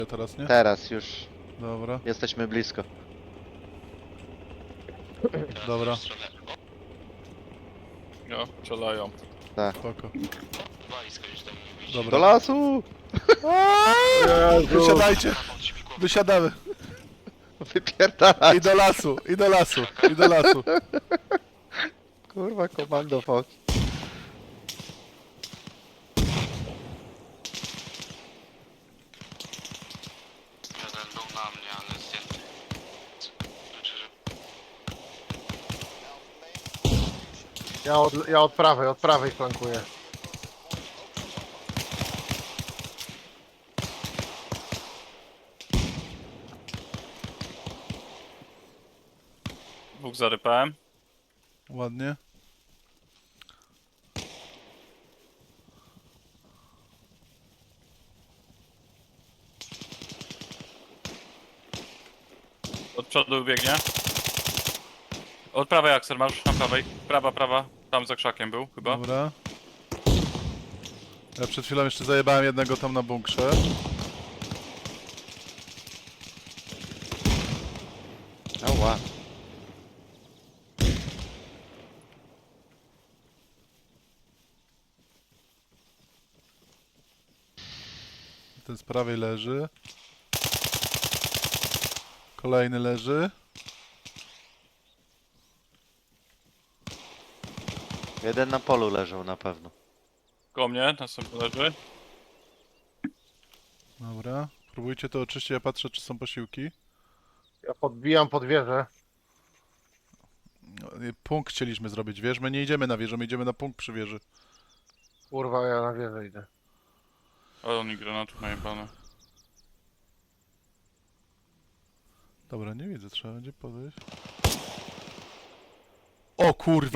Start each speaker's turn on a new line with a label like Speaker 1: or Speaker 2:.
Speaker 1: teraz, nie?
Speaker 2: Teraz już
Speaker 1: Dobra,
Speaker 2: jesteśmy blisko.
Speaker 1: dobra,
Speaker 3: No, strzelają.
Speaker 1: spoko.
Speaker 2: Do
Speaker 1: Dobra.
Speaker 2: lasu!
Speaker 1: Wysiadajcie! Wysiadamy!
Speaker 2: Wypierdalać!
Speaker 1: I do lasu, i do lasu, i do lasu.
Speaker 2: Kurwa, komando Fox.
Speaker 4: Jeden był na mnie, ale zdjęty. Znaczy, że
Speaker 5: Ja od prawej flankuję.
Speaker 3: Dwóch zarypałem.
Speaker 1: Ładnie.
Speaker 3: Od przodu biegnie. Od prawej Axel masz, na prawej. Prawa, prawa. Tam za krzakiem był chyba.
Speaker 1: Dobra. Ja przed chwilą jeszcze zajebałem jednego tam na bunkrze.
Speaker 2: Ała.
Speaker 1: Ten z prawej leży. Kolejny leży.
Speaker 2: Jeden na polu leżał na pewno.
Speaker 3: Koło mnie, następny leży.
Speaker 1: Dobra. Próbujcie to oczyścić, ja patrzę czy są posiłki.
Speaker 5: Ja podbijam pod wieżę.
Speaker 1: No, punkt chcieliśmy zrobić, wiesz? My nie idziemy na wieżę, my idziemy na punkt przy wieży.
Speaker 5: Kurwa, ja na wieżę idę.
Speaker 3: Ale oni granatów najebane.
Speaker 1: Dobra, nie widzę, trzeba będzie podejść. O kurwa!